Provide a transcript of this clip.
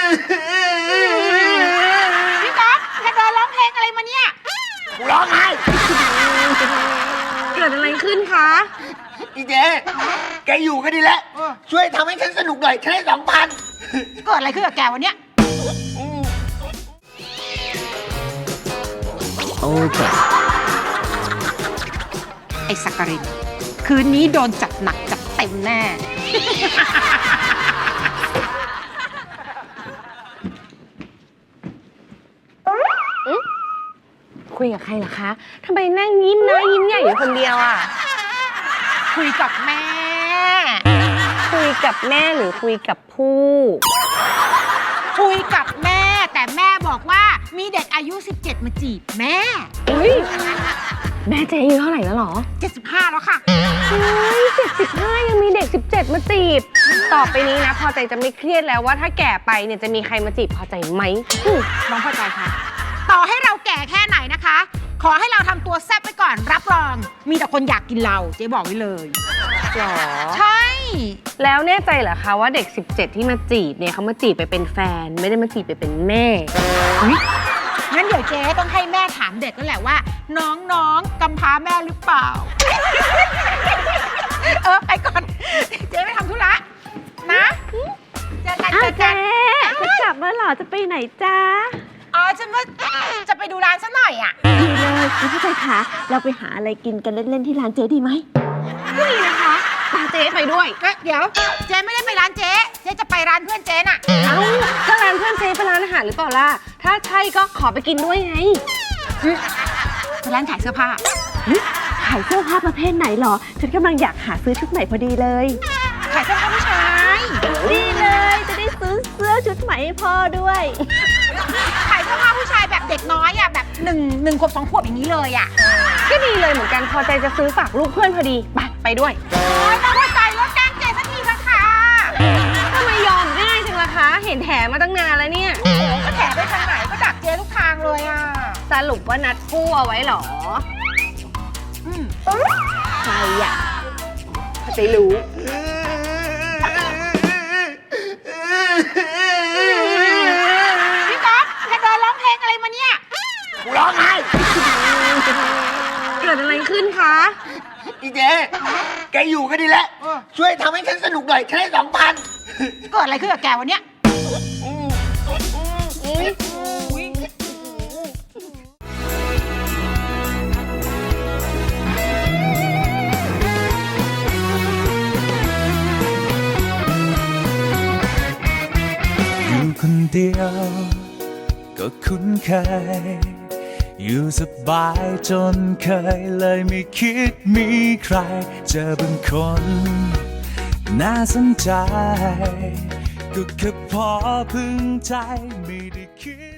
พี่ก๊อฟแกเดินร้องเพลงอะไรมาเนี่ยกูร้องไห้เกิดอะไรขึ้นคะอีเจ๊แกอยู่ก็ดีแล้วช่วยทำให้ฉันสนุกหน่อยฉันให้2,000 เกิดอะไรขึ้นกับแกวันเนี้ยโอเคไอ้สักกรินคืนนี้โดนจัดหนักจัดเต็มแน่คุยกับใครเหรอคะทำไมนั่งยิ้มน้อยยิ้มใหญ่อยู่คนเดียวอ่ะคุยกับแม่คุยกับแม่หรือคุยกับผู้คุยกับแม่แต่แม่บอกว่ามีเด็กอายุ17มาจีบแม่แม่เจ๊อายุเท่าไหร่แล้วหรอ 75แล้วค่ะเฮ้ย75ยังมีเด็ก17มาจีบต่อไปนี้นะพอใจจะไม่เครียดแล้วว่าถ้าแก่ไปเนี่ยจะมีใครมาจีบพอใจไหมน้องพอใจค่ะต่อให้เราแก่แค่ไหนนะคะขอให้เราทำตัวแซ่บไปก่อนรับรองมีแต่คนอยากกินเราเจ๊บอกไว้เลยหรอใช่แล้วแน่ใจเหรอคะว่าเด็ก17ที่มาจีบเนี่ยเขามาจีบไปเป็นแฟนไม่ได้มาจีบไปเป็นแม่งั้นเดี๋ยวเจ๊ต้องให้แม่ถามเด็กนั่นแหละว่าน้องกำพร้าแม่หรือเปล่าไปก่อนเจ๊ไปทำธุระนะเจอกันจะกลับมาหรอจะไปไหนจ้าฉันว่าจะไปดูร้านซะหน่อยอ่ะดีเลยคุณผู้ชมคะเราไปหาอะไรกินกันเล่นๆที่ร้านเจ๊ดีไหมดีนะคะพาเจ๊ไปด้วยเดี๋ยวเจ๊ไม่ได้ไปร้านเจ๊จะไปร้านเพื่อนเจ๊น่ะก็ร้านเพื่อนเจ๊เป็นร้านอาหารหรือเปล่าล่ะถ้าใช่ก็ขอไปกินด้วยไงเป็นร้านขายเสื้อผ้าขายเสื้อผ้าประเภทไหนหรอฉันกำลังอยากหาซื้อชุดใหม่พอดีเลยขายเสื้อผ้าผู้ชายดีเลยจะได้ซื้อเสื้อชุดใหม่ให้พ่อด้วยขายเสื้อผ้าผู้ชายแบบเด็กน้อยอ่ะแบบ1 ขวบ 2 ขวบอย่างนี้เลยอ่ะก็ดีเลยเหมือนกันพอใจจะซื้อฝากลูกเพื่อนพอดีไปด้วยน้องพอใจแล้วแกล้งเจ๊สักทีละค่ะทำไมยอมง่ายจังล่ะคะเห็นแถมาตั้งนานแล้วเนี่ยก็แถไปทางไหนก็ดักเจ๊ทุกทางเลยอ่ะสรุปว่านัดคู่เอาไว้หรอใครอ่ะไปรู้พี่ก๊อฟแกเดินร้องเพลงอะไรมาเนี่ยกูร้องไห้เกิดอะไรขึ้นคะอีเจ๊แกอยู่ก็ดีแล้วช่วยทำให้ฉันสนุกหน่อยฉันให้ 2,000เกิดอะไรขึ้นกับแกวันเนี้ยคนเดียวก็คุ้นเคยอยู่สบายจนเคยเลยไม่คิดมีใครเจอบางคนน่าสนใจก็แค่พอพึงใจไม่ได้คิด